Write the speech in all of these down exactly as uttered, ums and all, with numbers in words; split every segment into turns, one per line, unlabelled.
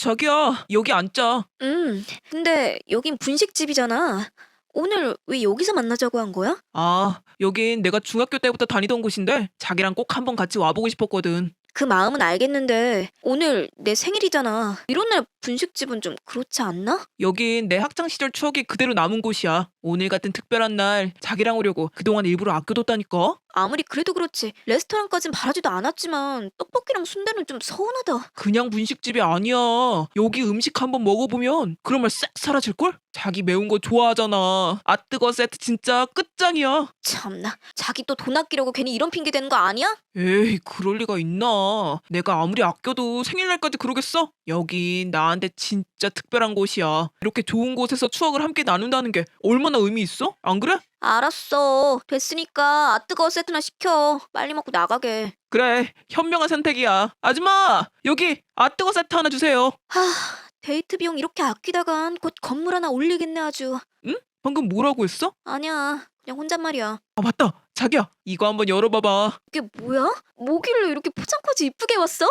자기야, 여기 앉자.
음, 근데 여긴 분식집이잖아. 오늘 왜 여기서 만나자고 한 거야?
아, 여긴 내가 중학교 때부터 다니던 곳인데 자기랑 꼭 한번 같이 와보고 싶었거든.
그 마음은 알겠는데 오늘 내 생일이잖아. 이런 날 분식집은 좀 그렇지 않나?
여긴 내 학창 시절 추억이 그대로 남은 곳이야. 오늘 같은 특별한 날 자기랑 오려고 그동안 일부러 아껴뒀다니까.
아무리 그래도 그렇지 레스토랑까진 바라지도 않았지만 떡볶이랑 순대는 좀 서운하다.
그냥 분식집이 아니야. 여기 음식 한번 먹어보면 그런 말 싹 사라질걸? 자기 매운 거 좋아하잖아. 아 뜨거 세트 진짜 끝장이야.
참나, 자기 또 돈 아끼려고 괜히 이런 핑계 대는 거 아니야?
에이, 그럴 리가 있나. 내가 아무리 아껴도 생일날까지 그러겠어? 여긴 나한테 진짜 특별한 곳이야. 이렇게 좋은 곳에서 추억을 함께 나눈다는 게 얼마나 의미 있어? 안 그래?
알았어. 됐으니까 아뜨거 세트나 시켜. 빨리 먹고 나가게.
그래, 현명한 선택이야. 아줌마, 여기 아뜨거 세트 하나 주세요.
하, 데이트 비용 이렇게 아끼다간 곧 건물 하나 올리겠네 아주.
응? 방금 뭐라고 했어?
아니야, 그냥 혼잣말이야.
아, 맞다. 자기야, 이거 한번 열어봐봐.
이게 뭐야? 뭐길래 이렇게 포장까지 이쁘게 왔어?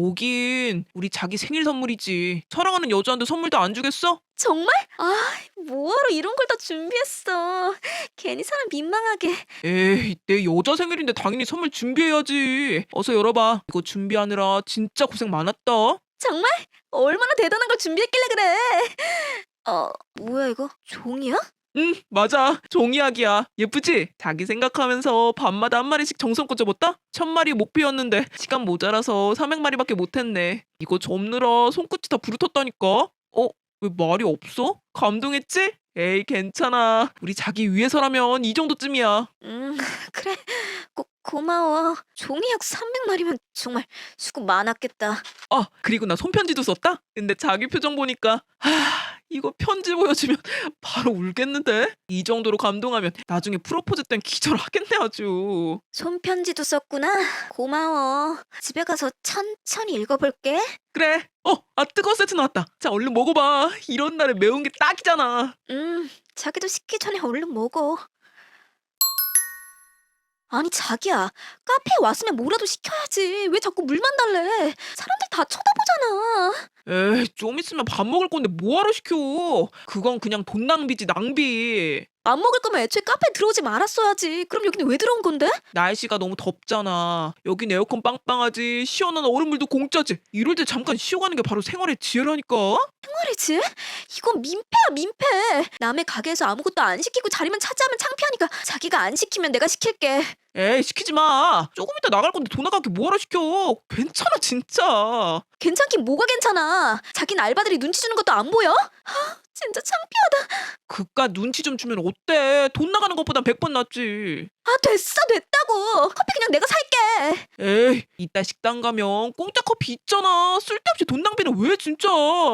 뭐긴, 우리 자기 생일 선물이지. 사랑하는 여자한테 선물도 안 주겠어?
정말? 아, 뭐하러 이런 걸 다 준비했어. 괜히 사람 민망하게.
에이, 내 여자 생일인데 당연히 선물 준비해야지. 어서 열어봐. 이거 준비하느라 진짜 고생 많았다.
정말? 얼마나 대단한 걸 준비했길래 그래. 어, 뭐야 이거? 종이야?
응, 맞아. 종이약이야. 예쁘지? 자기 생각하면서 밤마다 한 마리씩 정성껏 접었다? 천 마리 목표였는데 시간 모자라서 삼백 마리밖에 못했네. 이거 접느라 손끝이 다 부르텄다니까? 어? 왜 말이 없어? 감동했지? 에이, 괜찮아. 우리 자기 위해서라면 이 정도쯤이야.
음, 그래. 고, 고마워. 종이약 삼백 마리면 정말 수고 많았겠다.
아, 그리고 나 손편지도 썼다? 근데 자기 표정 보니까 하, 이거 편지 보여주면 바로 울겠는데? 이 정도로 감동하면 나중에 프로포즈 땐 기절하겠네 아주.
손편지도 썼구나. 고마워. 집에 가서 천천히 읽어볼게.
그래. 어, 아 뜨거운 세트 나왔다. 자, 얼른 먹어봐. 이런 날에 매운 게 딱이잖아.
음, 자기도 식기 전에 얼른 먹어. 아니 자기야, 카페에 왔으면 뭐라도 시켜야지. 왜 자꾸 물만 달래? 사람들 다 쳐다보잖아.
에이, 좀 있으면 밥 먹을 건데 뭐하러 시켜. 그건 그냥 돈 낭비지, 낭비.
안 먹을 거면 애초에 카페에 들어오지 말았어야지. 그럼 여기는 왜 들어온 건데?
날씨가 너무 덥잖아. 여긴 에어컨 빵빵하지. 시원한 얼음물도 공짜지. 이럴 때 잠깐 쉬어가는 게 바로 생활의 지혜라니까.
말이지? 이건 민폐야 민폐. 남의 가게에서 아무것도 안 시키고 자리만 차지하면 창피하니까 자기가 안 시키면 내가 시킬게.
에이, 시키지 마. 조금 이따 나갈 건데 돈 나가게 뭐하러 시켜. 괜찮아, 진짜.
괜찮긴 뭐가 괜찮아. 자기는 알바들이 눈치 주는 것도 안 보여? 아, 진짜 창피하다.
그깟 눈치 좀 주면 어때? 돈 나가는 것보단 백 번 낫지.
아, 됐어 됐다고. 커피 그냥 내가 살게.
에이, 이따 식당 가면 공짜 커피 있잖아. 쓸데없이 돈 낭비는 왜 진짜.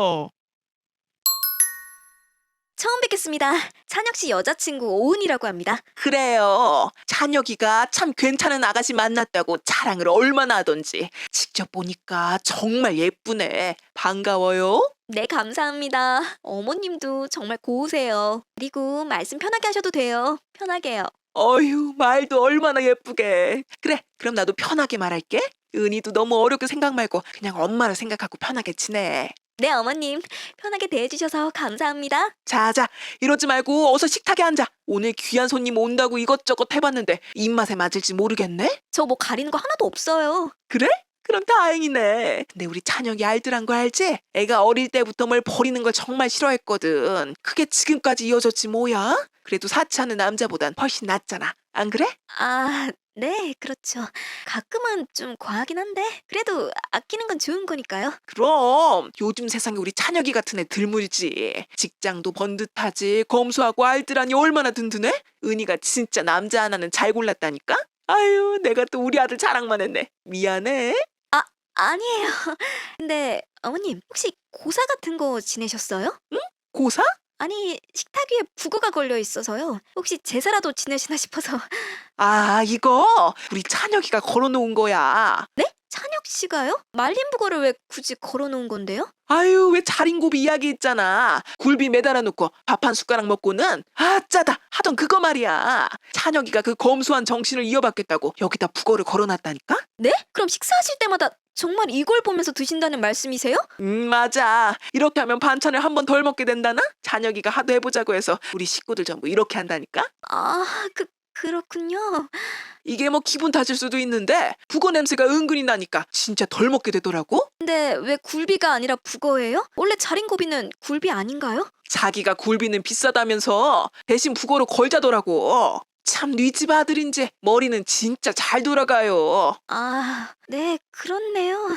처음 뵙겠습니다. 찬혁 씨 여자친구 오은이라고 합니다.
그래요. 찬혁이가 참 괜찮은 아가씨 만났다고 자랑을 얼마나 하던지. 직접 보니까 정말 예쁘네. 반가워요.
네, 감사합니다. 어머님도 정말 고우세요. 그리고 말씀 편하게 하셔도 돼요. 편하게요.
어휴, 말도 얼마나 예쁘게. 그래, 그럼 나도 편하게 말할게. 은희도 너무 어렵게 생각 말고 그냥 엄마를 생각하고 편하게 지내.
네, 어머님. 편하게 대해주셔서 감사합니다.
자자, 이러지 말고 어서 식탁에 앉아. 오늘 귀한 손님 온다고 이것저것 해봤는데 입맛에 맞을지 모르겠네?
저 뭐 가리는 거 하나도 없어요.
그래? 그럼 다행이네. 근데 우리 찬혁이 알뜰한 거 알지? 애가 어릴 때부터 뭘 버리는 걸 정말 싫어했거든. 그게 지금까지 이어졌지 뭐야? 그래도 사치하는 남자보단 훨씬 낫잖아. 안 그래?
아, 네, 그렇죠. 가끔은 좀 과하긴 한데 그래도 아끼는 건 좋은 거니까요.
그럼 요즘 세상에 우리 찬혁이 같은 애 드물지. 직장도 번듯하지. 검소하고 알뜰하니 얼마나 든든해? 은희가 진짜 남자 하나는 잘 골랐다니까? 아유, 내가 또 우리 아들 자랑만 했네. 미안해.
아, 아니에요. 근데 어머님 혹시 고사 같은 거 지내셨어요?
고사?
아니, 식탁 위에 북어가 걸려 있어서요. 혹시 제사라도 지내시나 싶어서.
아, 이거 우리 찬혁이가 걸어놓은 거야.
네? 찬혁 찬혁 씨가요? 말린 북어를 왜 굳이 걸어놓은 건데요?
아유, 왜 자린고비 이야기 있잖아. 굴비 매달아 놓고 밥 한 숟가락 먹고는 아 짜다 하던 그거 말이야. 찬혁이가 그 검소한 정신을 이어받겠다고 여기다 북어를 걸어놨다니까?
네? 그럼 식사하실 때마다 정말 이걸 보면서 드신다는 말씀이세요?
음, 맞아. 이렇게 하면 반찬을 한 번 덜 먹게 된다나? 찬혁이가 하도 해보자고 해서 우리 식구들 전부 이렇게 한다니까?
아, 그, 그렇군요.
이게 뭐 기분 탓일 수도 있는데 북어 냄새가 은근히 나니까 진짜 덜 먹게 되더라고?
근데 왜 굴비가 아니라 북어예요? 원래 자린고비는 굴비 아닌가요?
자기가 굴비는 비싸다면서 대신 북어로 걸자더라고. 참 네 집 아들인지 머리는 진짜 잘 돌아가요.
아, 네, 그렇네요.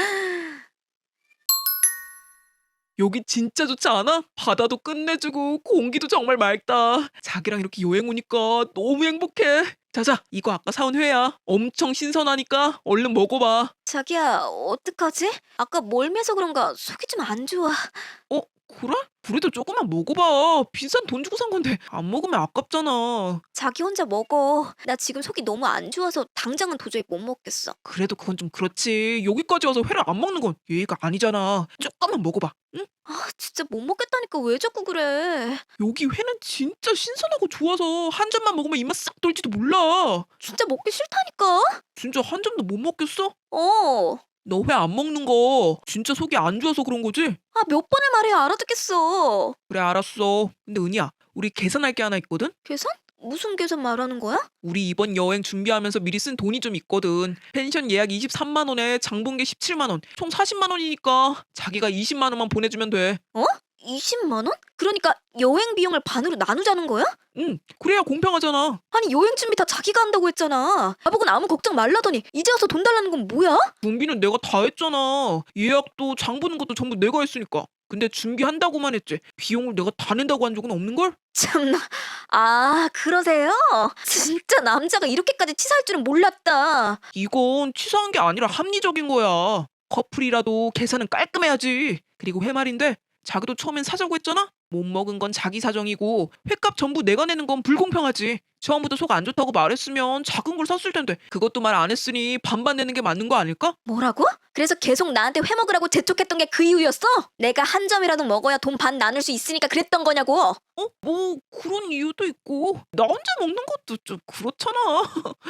여기 진짜 좋지 않아? 바다도 끝내주고 공기도 정말 맑다. 자기랑 이렇게 여행 오니까 너무 행복해. 자자, 이거 아까 사온 회야. 엄청 신선하니까 얼른 먹어봐.
자기야, 어떡하지? 아까 멀매서 그런가 속이 좀 안 좋아.
어? 그래? 그래도 조금만 먹어봐. 비싼 돈 주고 산 건데 안 먹으면 아깝잖아.
자기 혼자 먹어. 나 지금 속이 너무 안 좋아서 당장은 도저히 못 먹겠어.
그래도 그건 좀 그렇지. 여기까지 와서 회를 안 먹는 건 예의가 아니잖아. 조금만 먹어봐. 응?
아, 진짜 못 먹겠다니까 왜 자꾸 그래.
여기 회는 진짜 신선하고 좋아서 한 점만 먹으면 입맛 싹 돌지도 몰라.
진짜 먹기 싫다니까?
진짜 한 점도 못 먹겠어?
어.
너 회 안 먹는 거 진짜 속이 안 좋아서 그런 거지?
아, 몇 번을 말해야 알아듣겠어.
그래 알았어. 근데 은희야, 우리 계산할 게 하나 있거든?
계산? 무슨 계산 말하는 거야?
우리 이번 여행 준비하면서 미리 쓴 돈이 좀 있거든. 펜션 예약 이십삼만 원에 장본계 십칠만 원, 총 사십만 원이니까 자기가 이십만 원만 보내주면 돼.
어? 이십만 원? 그러니까 여행 비용을 반으로 나누자는 거야?
응, 그래야 공평하잖아.
아니 여행 준비 다 자기가 한다고 했잖아. 나보고는 아무 걱정 말라더니 이제 와서 돈 달라는 건 뭐야?
준비는 내가 다 했잖아. 예약도 장 보는 것도 전부 내가 했으니까. 근데 준비한다고만 했지 비용을 내가 다 낸다고 한 적은 없는걸?
참나. 아, 그러세요? 진짜 남자가 이렇게까지 치사할 줄은 몰랐다.
이건 치사한 게 아니라 합리적인 거야. 커플이라도 계산은 깔끔해야지. 그리고 회 말인데 자기도 처음엔 사자고 했잖아? 못 먹은 건 자기 사정이고 회값 전부 내가 내는 건 불공평하지. 처음부터 속 안 좋다고 말했으면 작은 걸 샀을 텐데 그것도 말 안 했으니 반반 내는 게 맞는 거 아닐까?
뭐라고? 그래서 계속 나한테 회 먹으라고 재촉했던 게 그 이유였어? 내가 한 점이라도 먹어야 돈 반 나눌 수 있으니까 그랬던 거냐고.
어? 뭐 그런 이유도 있고 나 혼자 먹는 것도 좀 그렇잖아.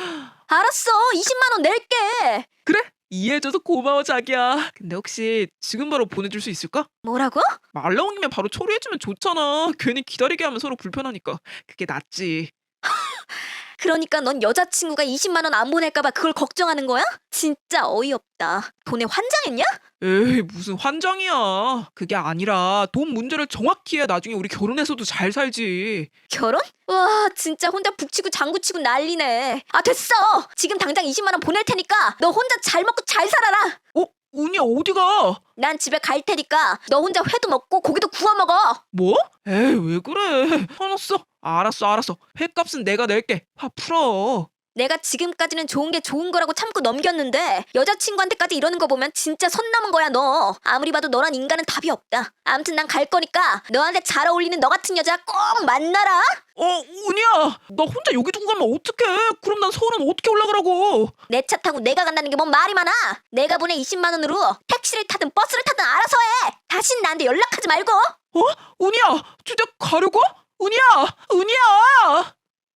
알았어. 이십만 원 낼게.
그래? 이해해줘서 고마워 자기야. 근데 혹시 지금 바로 보내줄 수 있을까?
뭐라고?
말 나온 김에 바로 처리해주면 좋잖아. 괜히 기다리게 하면 서로 불편하니까. 그게 낫지.
그러니까 넌 여자친구가 이십만 원 안 보낼까봐 그걸 걱정하는 거야? 진짜 어이없다. 돈에 환장했냐?
에이 무슨 환장이야. 그게 아니라 돈 문제를 정확히 해야 나중에 우리 결혼해서도 잘 살지.
결혼? 와, 진짜 혼자 북치고 장구치고 난리네. 아, 됐어. 지금 당장 이십만 원 보낼 테니까 너 혼자 잘 먹고 잘 살아라.
어? 은희야 어디가?
난 집에 갈 테니까 너 혼자 회도 먹고 고기도 구워 먹어.
뭐? 에이 왜 그래. 화났어. 알았어 알았어. 회값은 내가 낼게. 화 풀어.
내가 지금까지는 좋은 게 좋은 거라고 참고 넘겼는데 여자친구한테까지 이러는 거 보면 진짜 선 넘은 거야 너. 아무리 봐도 너란 인간은 답이 없다. 아무튼 난 갈 거니까 너한테 잘 어울리는 너 같은 여자 꼭 만나라.
어 은희야 나 혼자 여기 두고 가면 어떡해. 그럼 난 서울은 어떻게 올라가라고.
내 차 타고 내가 간다는 게 뭔 말이 많아. 내가 보내 이십만 원으로 택시를 타든 버스를 타든 알아서 해. 다신 나한테 연락하지 말고.
어? 은희야 진짜 가려고? 은희야 은희야.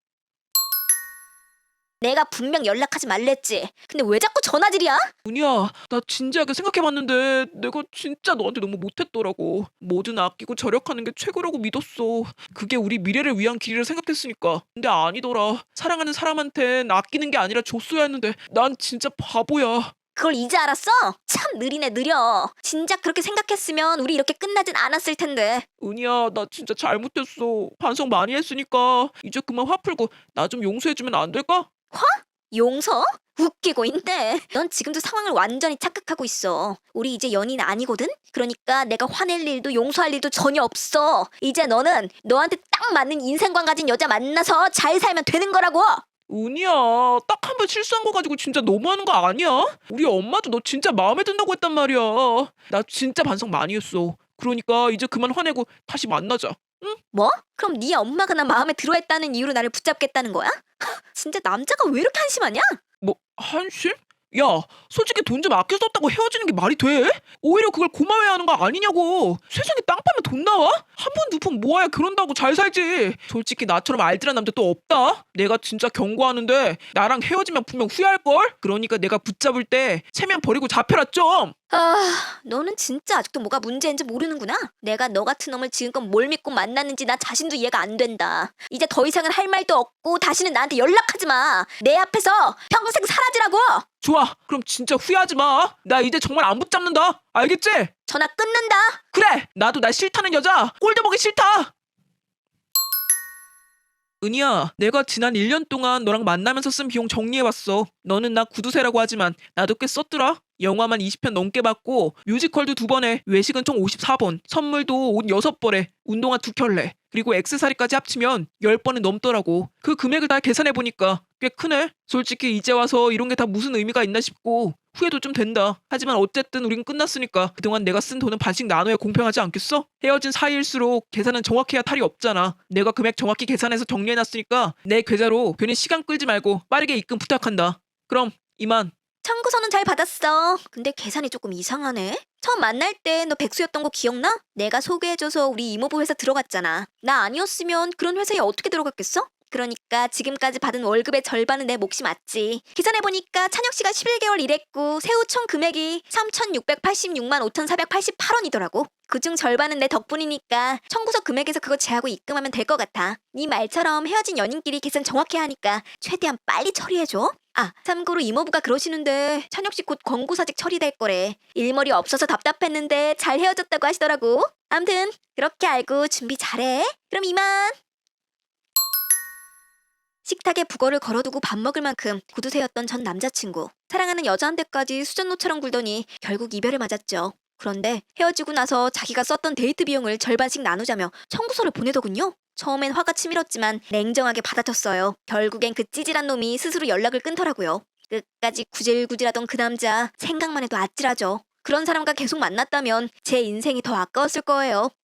내가 분명 연락하지 말랬지. 근데 왜 자꾸 전화질이야?
은희야 나 진지하게 생각해봤는데 내가 진짜 너한테 너무 못했더라고. 뭐든 아끼고 절약하는 게 최고라고 믿었어. 그게 우리 미래를 위한 길이라 생각했으니까. 근데 아니더라. 사랑하는 사람한텐 아끼는 게 아니라 줬어야 했는데 난 진짜 바보야.
그걸 이제 알았어? 참 느리네 느려. 진작 그렇게 생각했으면 우리 이렇게 끝나진 않았을 텐데.
은희야 나 진짜 잘못했어. 반성 많이 했으니까 이제 그만 화 풀고 나 좀 용서해주면 안 될까?
용서? 웃기고 있네. 넌 지금도 상황을 완전히 착각하고 있어. 우리 이제 연인 아니거든? 그러니까 내가 화낼 일도 용서할 일도 전혀 없어. 이제 너는 너한테 딱 맞는 인생관 가진 여자 만나서 잘 살면 되는 거라고.
은희야 딱 한 번 실수한 거 가지고 진짜 너무하는 거 아니야? 우리 엄마도 너 진짜 마음에 든다고 했단 말이야. 나 진짜 반성 많이 했어. 그러니까 이제 그만 화내고 다시 만나자.
뭐? 그럼 네 엄마가 나 마음에 들어했다는 이유로 나를 붙잡겠다는 거야? 진짜 남자가 왜 이렇게 한심하냐?
뭐 한심? 야, 솔직히 돈 좀 아껴 썼다고 헤어지는 게 말이 돼? 오히려 그걸 고마워해야 하는 거 아니냐고. 세상에 땅 파면 돈 나와? 한 푼 두 푼 모아야 결혼도 잘 살지. 솔직히 나처럼 알뜰한 남자 또 없다. 내가 진짜 경고하는데 나랑 헤어지면 분명 후회할걸? 그러니까 내가 붙잡을 때 체면 버리고 잡혀라 좀.
아, 너는 진짜 아직도 뭐가 문제인지 모르는구나. 내가 너 같은 놈을 지금껏 뭘 믿고 만났는지 나 자신도 이해가 안 된다. 이제 더 이상은 할 말도 없고 다시는 나한테 연락하지 마. 내 앞에서 평생 사라지라고.
좋아, 그럼 진짜 후회하지 마. 나 이제 정말 안 붙잡는다. 알겠지?
전화 끊는다.
그래, 나도 나 싫다는 여자 꼴도 보기 싫다. 은희야, 내가 지난 일 년 동안 너랑 만나면서 쓴 비용 정리해봤어. 너는 나 구두쇠라고 하지만 나도 꽤 썼더라. 영화만 이십 편 넘게 봤고 뮤지컬도 두 번에 외식은 총 오십사 번, 선물도 옷 여섯 벌에 운동화 두 켤레, 그리고 액세서리까지 합치면 십 번은 넘더라고. 그 금액을 다 계산해보니까 꽤 크네. 솔직히 이제 와서 이런 게 다 무슨 의미가 있나 싶고 후회도 좀 된다. 하지만 어쨌든 우린 끝났으니까 그동안 내가 쓴 돈은 반씩 나눠야 공평하지 않겠어? 헤어진 사이일수록 계산은 정확해야 탈이 없잖아. 내가 금액 정확히 계산해서 정리해놨으니까 내 계좌로 괜히 시간 끌지 말고 빠르게 입금 부탁한다. 그럼 이만.
청구서는 잘 받았어. 근데 계산이 조금 이상하네. 처음 만날 때 너 백수였던 거 기억나? 내가 소개해줘서 우리 이모부 회사 들어갔잖아. 나 아니었으면 그런 회사에 어떻게 들어갔겠어? 그러니까 지금까지 받은 월급의 절반은 내 몫이 맞지. 계산해보니까 찬혁 씨가 십일 개월 일했고 세후 총 금액이 삼천육백팔십육만 오천사백팔십팔 원이더라고. 그중 절반은 내 덕분이니까 청구서 금액에서 그거 제하고 입금하면 될 것 같아. 네 말처럼 헤어진 연인끼리 계산 정확히 하니까 최대한 빨리 처리해줘. 아, 참고로 이모부가 그러시는데 찬혁 씨 곧 권고사직 처리될 거래. 일머리 없어서 답답했는데 잘 헤어졌다고 하시더라고. 암튼 그렇게 알고 준비 잘해. 그럼 이만. 식탁에 북어를 걸어두고 밥 먹을 만큼 구두쇠였던 전 남자친구. 사랑하는 여자한테까지 수전노처럼 굴더니 결국 이별을 맞았죠. 그런데 헤어지고 나서 자기가 썼던 데이트 비용을 절반씩 나누자며 청구서를 보내더군요. 처음엔 화가 치밀었지만 냉정하게 받아쳤어요. 결국엔 그 찌질한 놈이 스스로 연락을 끊더라고요. 끝까지 구질구질하던 그 남자 생각만 해도 아찔하죠. 그런 사람과 계속 만났다면 제 인생이 더 아까웠을 거예요.